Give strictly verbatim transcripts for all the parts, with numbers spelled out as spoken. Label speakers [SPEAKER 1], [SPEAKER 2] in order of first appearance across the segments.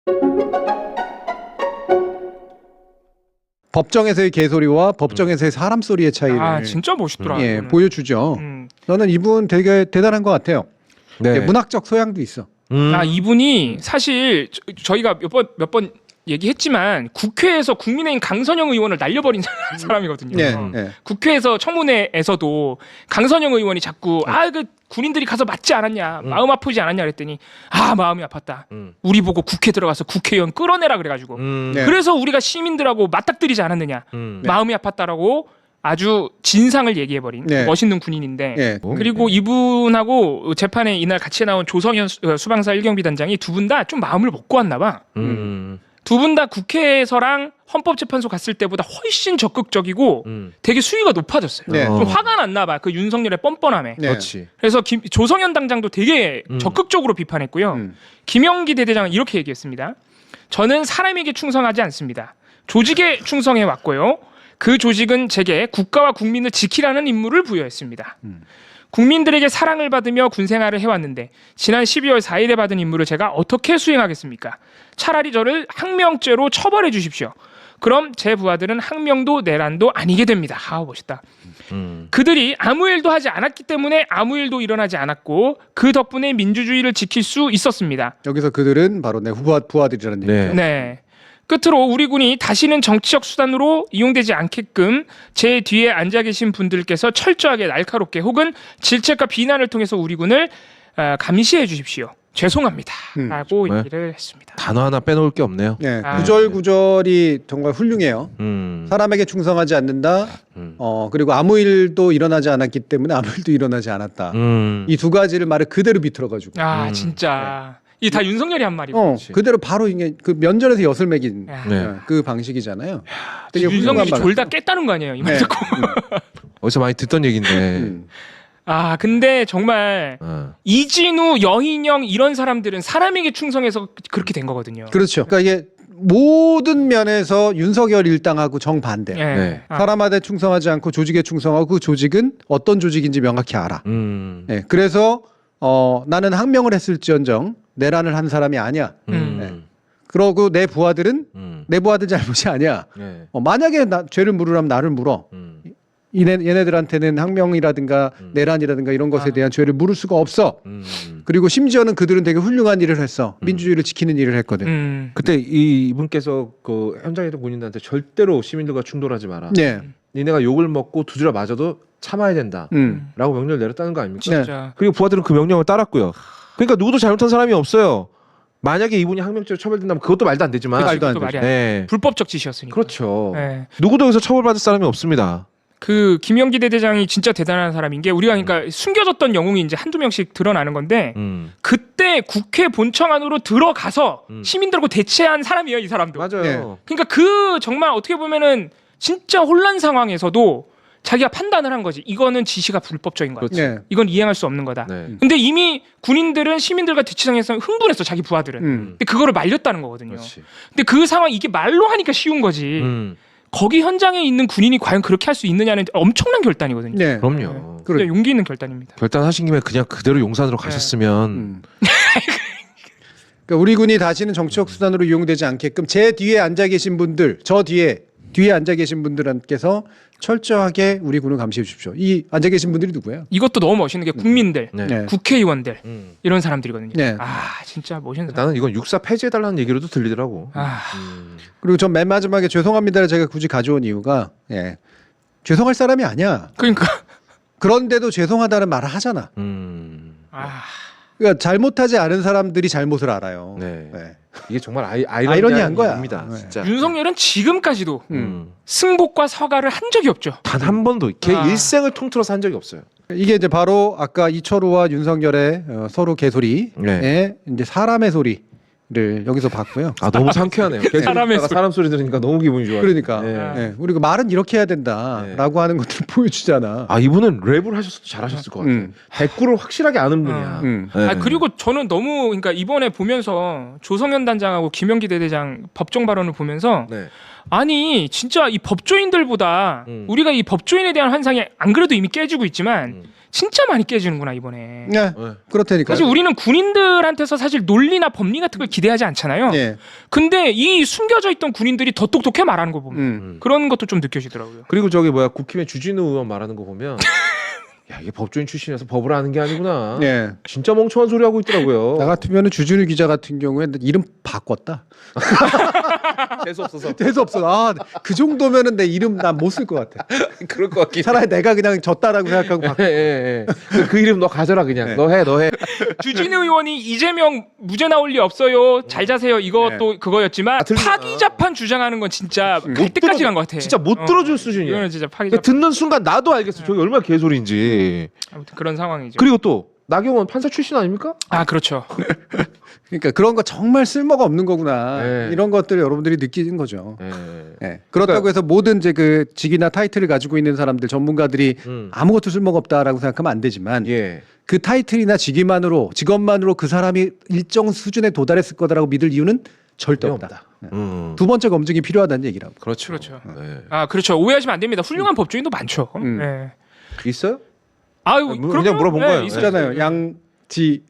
[SPEAKER 1] 법정에서의 개소리와 법정에서의 사람 소리의 차이를
[SPEAKER 2] 아 진짜 멋있더라.
[SPEAKER 1] 예,
[SPEAKER 2] 이거는.
[SPEAKER 1] 보여주죠.
[SPEAKER 2] 음.
[SPEAKER 1] 저는 이분 되게 대단한 것 같아요.
[SPEAKER 3] 네.
[SPEAKER 1] 예, 문학적 소양도 있어.
[SPEAKER 3] 음.
[SPEAKER 2] 아 이분이 사실 저, 저희가 몇 번 몇 번 얘기했지만 국회에서 국민의힘 강선영 의원을 날려버린 사람이거든요.
[SPEAKER 1] 예, 예.
[SPEAKER 2] 국회에서 청문회에서도 강선영 의원이 자꾸 아 그 군인들이 가서 맞지 않았냐,
[SPEAKER 3] 음.
[SPEAKER 2] 마음 아프지 않았냐 그랬더니 아 마음이 아팠다.
[SPEAKER 3] 음.
[SPEAKER 2] 우리 보고 국회 들어가서 국회의원 끌어내라 그래가지고
[SPEAKER 3] 음.
[SPEAKER 1] 네.
[SPEAKER 2] 그래서 우리가 시민들하고 맞닥뜨리지 않았느냐,
[SPEAKER 3] 음.
[SPEAKER 2] 마음이 아팠다라고 아주 진상을 얘기해버린
[SPEAKER 1] 네.
[SPEAKER 2] 멋있는 군인인데.
[SPEAKER 1] 예.
[SPEAKER 2] 그리고 이분하고 재판에 이날 같이 나온 조성현 수- 어, 수방사 일경비단장이 두 분 다 좀 마음을 먹고 왔나 봐.
[SPEAKER 3] 음.
[SPEAKER 2] 두 분 다 국회에서랑 헌법재판소 갔을 때보다 훨씬 적극적이고
[SPEAKER 3] 음.
[SPEAKER 2] 되게 수위가 높아졌어요.
[SPEAKER 1] 네.
[SPEAKER 2] 좀 화가 났나 봐. 그 윤석열의 뻔뻔함에.
[SPEAKER 1] 네.
[SPEAKER 3] 그렇지.
[SPEAKER 2] 그래서 김- 조성현 당장도 되게
[SPEAKER 3] 음.
[SPEAKER 2] 적극적으로 비판했고요.
[SPEAKER 1] 음.
[SPEAKER 2] 김영기 대대장은 이렇게 얘기했습니다. 저는 사람에게 충성하지 않습니다. 조직에 충성해 왔고요. 그 조직은 제게 국가와 국민을 지키라는 임무를 부여했습니다.
[SPEAKER 1] 음.
[SPEAKER 2] 국민들에게 사랑을 받으며 군생활을 해왔는데 지난 십이월 사일에 받은 임무를 제가 어떻게 수행하겠습니까? 차라리 저를 항명죄로 처벌해 주십시오. 그럼 제 부하들은 항명도 내란도 아니게 됩니다. 아 멋있다.
[SPEAKER 3] 음.
[SPEAKER 2] 그들이 아무 일도 하지 않았기 때문에 아무 일도 일어나지 않았고 그 덕분에 민주주의를 지킬 수 있었습니다.
[SPEAKER 1] 여기서 그들은 바로 내 후아 부하들이라는
[SPEAKER 3] 네.
[SPEAKER 1] 얘기죠.
[SPEAKER 2] 네. 끝으로 우리 군이 다시는 정치적 수단으로 이용되지 않게끔 제 뒤에 앉아 계신 분들께서 철저하게 날카롭게 혹은 질책과 비난을 통해서 우리 군을 어, 감시해 주십시오. 죄송합니다.
[SPEAKER 1] 음.
[SPEAKER 2] 라고
[SPEAKER 3] 네.
[SPEAKER 2] 얘기를 했습니다.
[SPEAKER 3] 단어 하나 빼놓을 게 없네요.
[SPEAKER 1] 예,
[SPEAKER 2] 아.
[SPEAKER 1] 구절 구절이 정말 훌륭해요.
[SPEAKER 3] 음.
[SPEAKER 1] 사람에게 충성하지 않는다.
[SPEAKER 3] 음.
[SPEAKER 1] 어 그리고 아무 일도 일어나지 않았기 때문에 아무 일도 일어나지 않았다.
[SPEAKER 3] 음.
[SPEAKER 1] 이 두 가지를 말을 그대로 비틀어가지고.
[SPEAKER 2] 아
[SPEAKER 3] 음.
[SPEAKER 2] 진짜 이 다 윤석열이 한 말이고.
[SPEAKER 1] 어
[SPEAKER 3] 그렇지.
[SPEAKER 1] 그대로 바로 이게 그 면전에서 엿을 매긴
[SPEAKER 2] 야,
[SPEAKER 3] 네.
[SPEAKER 1] 예, 그 방식이잖아요. 되게 훌륭한
[SPEAKER 2] 윤석열이
[SPEAKER 1] 말.
[SPEAKER 2] 졸다 깼다는 거 아니에요? 이 말
[SPEAKER 1] 네.
[SPEAKER 2] 듣고.
[SPEAKER 3] 어디서 많이 듣던 얘기인데.
[SPEAKER 1] 음.
[SPEAKER 2] 아 근데 정말
[SPEAKER 3] 어.
[SPEAKER 2] 이진우, 여인영 이런 사람들은 사람에게 충성해서 그렇게 된 거거든요.
[SPEAKER 1] 그렇죠. 그러니까 이게 모든 면에서 윤석열 일당하고 정반대.
[SPEAKER 2] 예.
[SPEAKER 3] 네.
[SPEAKER 2] 아,
[SPEAKER 1] 사람한테 충성하지 않고 조직에 충성하고 그 조직은 어떤 조직인지 명확히 알아.
[SPEAKER 3] 음.
[SPEAKER 1] 예, 그래서 어, 나는 항명을 했을지언정 내란을 한 사람이 아니야.
[SPEAKER 3] 음.
[SPEAKER 1] 네. 그러고 내 부하들은
[SPEAKER 3] 음.
[SPEAKER 1] 내 부하들 잘못이 아니야.
[SPEAKER 3] 네.
[SPEAKER 1] 어, 만약에 나, 죄를 물으라면 나를 물어.
[SPEAKER 3] 음.
[SPEAKER 1] 이네, 얘네들한테는 항명이라든가
[SPEAKER 3] 음.
[SPEAKER 1] 내란이라든가 이런 것에
[SPEAKER 2] 아.
[SPEAKER 1] 대한 죄를 물을 수가 없어.
[SPEAKER 3] 음.
[SPEAKER 1] 그리고 심지어는 그들은 되게 훌륭한 일을 했어.
[SPEAKER 3] 음.
[SPEAKER 1] 민주주의를 지키는 일을 했거든.
[SPEAKER 2] 음.
[SPEAKER 3] 그때 이 이분께서 그 현장에 있던 군인들한테 절대로 시민들과 충돌하지 마라.
[SPEAKER 1] 네.
[SPEAKER 3] 니네가 욕을 먹고 두드려 맞아도 참아야 된다.
[SPEAKER 1] 음.
[SPEAKER 3] 라고 명령을 내렸다는 거 아닙니까?
[SPEAKER 2] 진짜.
[SPEAKER 3] 그리고 부하들은 그 명령을 따랐고요. 그러니까 누구도 잘못한 사람이 없어요. 만약에 이분이 항명죄로 처벌된다면 그것도 말도 안 되지만.
[SPEAKER 1] 그 말도 안
[SPEAKER 2] 그것도
[SPEAKER 1] 되죠.
[SPEAKER 2] 말이 안 돼.
[SPEAKER 3] 네.
[SPEAKER 2] 불법적 짓이었으니까.
[SPEAKER 3] 그렇죠.
[SPEAKER 2] 예.
[SPEAKER 3] 누구도 여기서 처벌받을 사람이 없습니다.
[SPEAKER 2] 그 김영기 대대장이 진짜 대단한 사람인 게 우리가 그러니까 숨겨졌던 영웅이 이제 한두 명씩 드러나는 건데
[SPEAKER 3] 음.
[SPEAKER 2] 그때 국회 본청 안으로 들어가서
[SPEAKER 3] 음.
[SPEAKER 2] 시민들하고 대체한 사람이에요, 이 사람도.
[SPEAKER 3] 맞아요.
[SPEAKER 1] 네.
[SPEAKER 2] 그러니까 그 정말 어떻게 보면은 진짜 혼란 상황에서도 자기가 판단을 한 거지. 이거는 지시가 불법적인 거야.
[SPEAKER 3] 그렇지.
[SPEAKER 1] 네.
[SPEAKER 2] 이건 이행할 수 없는 거다.
[SPEAKER 3] 네.
[SPEAKER 2] 근데 이미 군인들은 시민들과 대치상에서 흥분했어, 자기 부하들은.
[SPEAKER 1] 음.
[SPEAKER 2] 근데 그거를 말렸다는 거거든요.
[SPEAKER 3] 그렇지.
[SPEAKER 2] 근데 그 상황 이게 말로 하니까 쉬운 거지.
[SPEAKER 3] 음.
[SPEAKER 2] 거기 현장에 있는 군인이 과연 그렇게 할 수 있느냐는 엄청난 결단이거든요.
[SPEAKER 1] 네.
[SPEAKER 3] 그럼요.
[SPEAKER 1] 그래.
[SPEAKER 2] 진짜 용기 있는 결단입니다.
[SPEAKER 3] 결단하신 김에 그냥 그대로 용산으로 가셨으면
[SPEAKER 1] 음. 그러니까 우리 군이 다시는 정치적 수단으로 이용되지 않게끔 제 뒤에 앉아 계신 분들, 저 뒤에 뒤에 앉아 계신 분들께서 철저하게 우리 군을 감시해 주십시오. 이 앉아 계신 분들이 누구예요?
[SPEAKER 2] 이것도 너무 멋있는 게 국민들,
[SPEAKER 3] 네.
[SPEAKER 1] 네.
[SPEAKER 2] 국회의원들
[SPEAKER 3] 음.
[SPEAKER 2] 이런 사람들이거든요.
[SPEAKER 1] 네.
[SPEAKER 2] 아 진짜 멋있는 사람.
[SPEAKER 3] 나는 이건 육사 폐지해달라는 얘기로도 들리더라고.
[SPEAKER 2] 아
[SPEAKER 3] 음.
[SPEAKER 1] 그리고 전 맨 마지막에 죄송합니다를 제가 굳이 가져온 이유가 예. 죄송할 사람이 아니야.
[SPEAKER 2] 그러니까
[SPEAKER 1] 그런데도 죄송하다는 말을 하잖아.
[SPEAKER 3] 음.
[SPEAKER 2] 아
[SPEAKER 1] 그러니까 잘못하지 않은 사람들이 잘못을 알아요.
[SPEAKER 3] 네.
[SPEAKER 1] 네.
[SPEAKER 3] 이게 정말 아이,
[SPEAKER 1] 아이러니한
[SPEAKER 3] 아이러니한
[SPEAKER 1] 거야.
[SPEAKER 3] 입니다.
[SPEAKER 1] 네.
[SPEAKER 3] 진짜.
[SPEAKER 2] 윤석열은 지금까지도
[SPEAKER 1] 음.
[SPEAKER 3] 음.
[SPEAKER 2] 승복과 사과를 한 적이 없죠.
[SPEAKER 3] 단 한 번도 걔
[SPEAKER 2] 아.
[SPEAKER 3] 일생을 통틀어서 한 적이 없어요.
[SPEAKER 1] 이게 이제 바로 아까 이철우와 윤석열의 어, 서로 개소리에
[SPEAKER 3] 네.
[SPEAKER 1] 이제 사람의 소리를 여기서 봤고요.
[SPEAKER 3] 아 너무 상쾌하네요. 계속
[SPEAKER 2] 사람의
[SPEAKER 3] 듣다가
[SPEAKER 2] 소리.
[SPEAKER 3] 사람 소리 들으니까 너무 기분이 좋아요.
[SPEAKER 1] 그러니까
[SPEAKER 3] 네.
[SPEAKER 1] 예, 우리가 말은 이렇게 해야 된다라고 하는 것들을 보여주잖아.
[SPEAKER 3] 아 이분은 랩을 하셨어도 잘하셨을 것 같아요.
[SPEAKER 1] 음.
[SPEAKER 3] 대꾸를 확실하게 아는 분이야.
[SPEAKER 1] 음.
[SPEAKER 3] 네.
[SPEAKER 2] 아 그리고 저는 너무 그러니까 이번에 보면서 조성현 단장하고 김영기 대대장 법정 발언을 보면서
[SPEAKER 3] 네.
[SPEAKER 2] 아니 진짜 이 법조인들보다
[SPEAKER 3] 음.
[SPEAKER 2] 우리가 이 법조인에 대한 환상이 안 그래도 이미 깨지고 있지만
[SPEAKER 3] 음.
[SPEAKER 2] 진짜 많이 깨지는구나 이번에.
[SPEAKER 1] 네,
[SPEAKER 3] 네.
[SPEAKER 1] 그렇다니까.
[SPEAKER 2] 사실 우리는 군인들한테서 사실 논리나 법리 같은 걸 기대하지 않잖아요.
[SPEAKER 1] 예.
[SPEAKER 2] 근데 이 숨겨져 있던 군인들이 더 똑똑해 말하는 거 보면
[SPEAKER 1] 음.
[SPEAKER 2] 그런 것도 좀 느껴지더라고요.
[SPEAKER 3] 그리고 저기 뭐야 국힘의 주진우 의원 말하는 거 보면 야 이게 법조인 출신이라서 법을 아는 게 아니구나.
[SPEAKER 1] 예.
[SPEAKER 3] 진짜 멍청한 소리 하고 있더라고요.
[SPEAKER 1] 나 같으면은 주준우 기자 같은 경우에는 이름 바꿨다.
[SPEAKER 3] 재수 없어서
[SPEAKER 1] 재수 없어. 아, 그 정도면은 내 이름 난 못 쓸 것 같아.
[SPEAKER 3] 그럴 것 같긴.
[SPEAKER 1] 차라리 내가 그냥 졌다라고 생각하고 바꿔.
[SPEAKER 3] 예, 예, 예. 그, 그 이름 너 가져라 그냥.
[SPEAKER 1] 네.
[SPEAKER 3] 너 해, 너 해.
[SPEAKER 2] 주진우 의원이 이재명 무죄 나올 리 없어요. 잘 자세요. 이것도 그거였지만
[SPEAKER 3] 아, 들리-
[SPEAKER 2] 파기자판 주장하는 건 진짜 갈
[SPEAKER 3] 못
[SPEAKER 2] 때까지
[SPEAKER 3] 들어-
[SPEAKER 2] 간 것 같아.
[SPEAKER 3] 진짜 못
[SPEAKER 2] 어.
[SPEAKER 3] 들어줄 수준이야.
[SPEAKER 2] 이거는 진짜
[SPEAKER 3] 그러니까
[SPEAKER 2] 파기자판.
[SPEAKER 3] 듣는 순간 나도 알겠어. 저게 얼마나 개소리인지.
[SPEAKER 2] 아무튼 그런 상황이죠.
[SPEAKER 3] 그리고 또 나경원 판사 출신 아닙니까?
[SPEAKER 2] 아 그렇죠.
[SPEAKER 1] 그러니까 그런 거 정말 쓸모가 없는 거구나.
[SPEAKER 3] 네.
[SPEAKER 1] 이런 것들을 여러분들이 느끼는 거죠.
[SPEAKER 3] 예.
[SPEAKER 1] 예. 그렇다고
[SPEAKER 3] 그러니까-
[SPEAKER 1] 해서 모든 이제 그 직이나 타이틀을 가지고 있는 사람들 전문가들이
[SPEAKER 3] 음.
[SPEAKER 1] 아무것도 쓸모가 없다라고 생각하면 안 되지만
[SPEAKER 3] 예.
[SPEAKER 1] 그 타이틀이나 직위만으로 직업만으로 그 사람이 일정 수준에 도달했을 거다라고 믿을 이유는 절대
[SPEAKER 3] 전혀
[SPEAKER 1] 없다.
[SPEAKER 3] 없다.
[SPEAKER 1] 예.
[SPEAKER 3] 음.
[SPEAKER 1] 두 번째 검증이 필요하다는 얘기라고.
[SPEAKER 3] 그렇죠.
[SPEAKER 2] 그렇죠.
[SPEAKER 3] 네.
[SPEAKER 2] 아 그렇죠. 오해하시면 안 됩니다. 훌륭한 법조인도 많죠.
[SPEAKER 1] 음.
[SPEAKER 2] 네.
[SPEAKER 3] 있어요?
[SPEAKER 2] 아유
[SPEAKER 3] 아, 뭐,
[SPEAKER 2] 그럼요.
[SPEAKER 3] 그냥 물어본
[SPEAKER 2] 네,
[SPEAKER 3] 거예요.
[SPEAKER 2] 있어요.
[SPEAKER 1] 있잖아요. 양지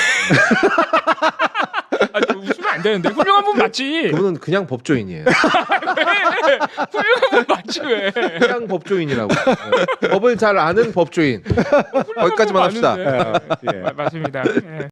[SPEAKER 2] 아, 웃으면 안 되는데 훌륭한 분 맞지.
[SPEAKER 3] 그분은 그냥 법조인이에요.
[SPEAKER 2] 왜? 훌륭한 분 맞지 왜?
[SPEAKER 3] 그냥 법조인이라고. 네. 법을 잘 아는 법조인. 거기까지만 합시다.
[SPEAKER 2] 맞는데.
[SPEAKER 1] 예.
[SPEAKER 2] 마- 맞습니다. 예.